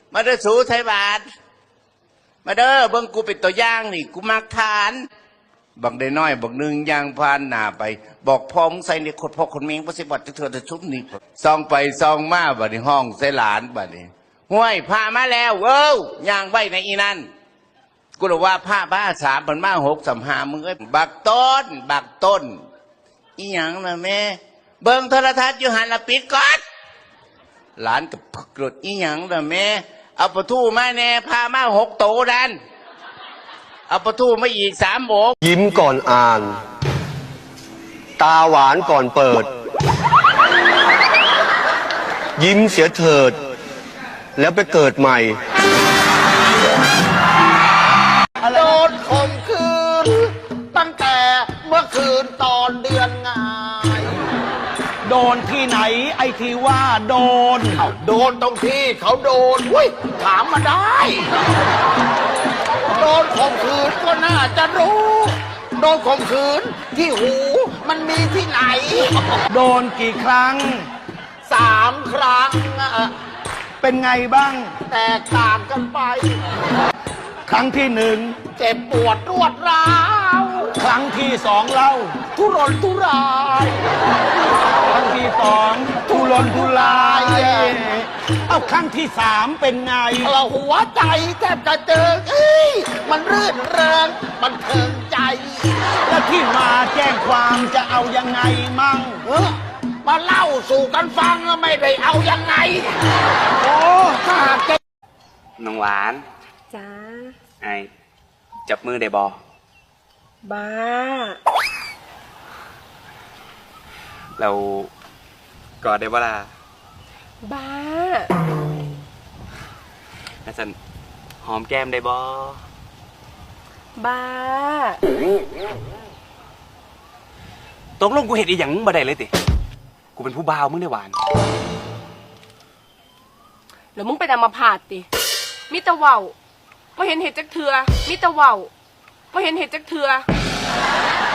มาเด้อสูไทยบาทมาเด้อเบิ่งกูเป็นตัวอย่างนี่กูมักทานบักได้น้อยบักนึงย่างพานหน้าไปบอกพ่อมึงใส่ในขดพ่อคนเมงบ่สิบัดเถื่อจะชุบนี่ซองไปซองมาบัดนี้ห้องใส่หลานบัดนี้ห้วยพามาแล้วเว้ย่างไว้ในอีนั่นกูเลยว่าผ้าบ้าสามมันมา6 3 5มึงเอ้ยบักต้นอีหยังล่ะแม่เบิ่งโทรทัศน์อยู่หันละปิดก่อนหลานกับพึกรถอีหยังล่ะแม่เอาปลาทูมาแน่พามา6 โตดันเอาปลาทูมาอีก3 โบกยิ้มก่อนอ่านตาหวานก่อนเปิดยิ้มเสียเถิดแล้วไปเกิดใหม่โดนข่มขืนตั้งแต่เมื่อคืนตอนเดือนงายโดนที่ไหนไอ้ที่ว่าโดนโดนตรงที่เขาโดนอุ้ยถามมาได้โดนข่มขืนก็น่าจะรู้โดนข่มขืนที่หูมันมีที่ไหนโดนกี่ครั้ง 3 ครั้งเป็นไงบ้างแตกต่างกันไปครั้งที่1 เจ็บปวดรวดร้าวครั้งที่2เล่าทุรนทุรายครั้งที่2ทุรนทุรายเอาครั้งที่3เป็นไงหัวใจแทบจะเจอมันรื่นเริงมันเทิงใจแล้วที่มาแจ้งความจะเอายังไงมั่งมาเล่าสู่กันฟังไม่ได้เอายังไงโอ้ข้าเก่งน้องหวานจ้าไอจับมือได้บอบ้าเรากอดได้บ่ล่ะบ้าแล้วสันหอมแก้มได้บอบ้าตกลงกูเห็นอีหยังบ่ได้เลยติกูเป็นผู้บ่าวมึงได้หวานแล้วมึงไปนำมาผาดติมิตรเว้าไม่เห็นเห็ดจักเถื่อมิตรเว้าไม่เห็นเห็ดจักเถื่อ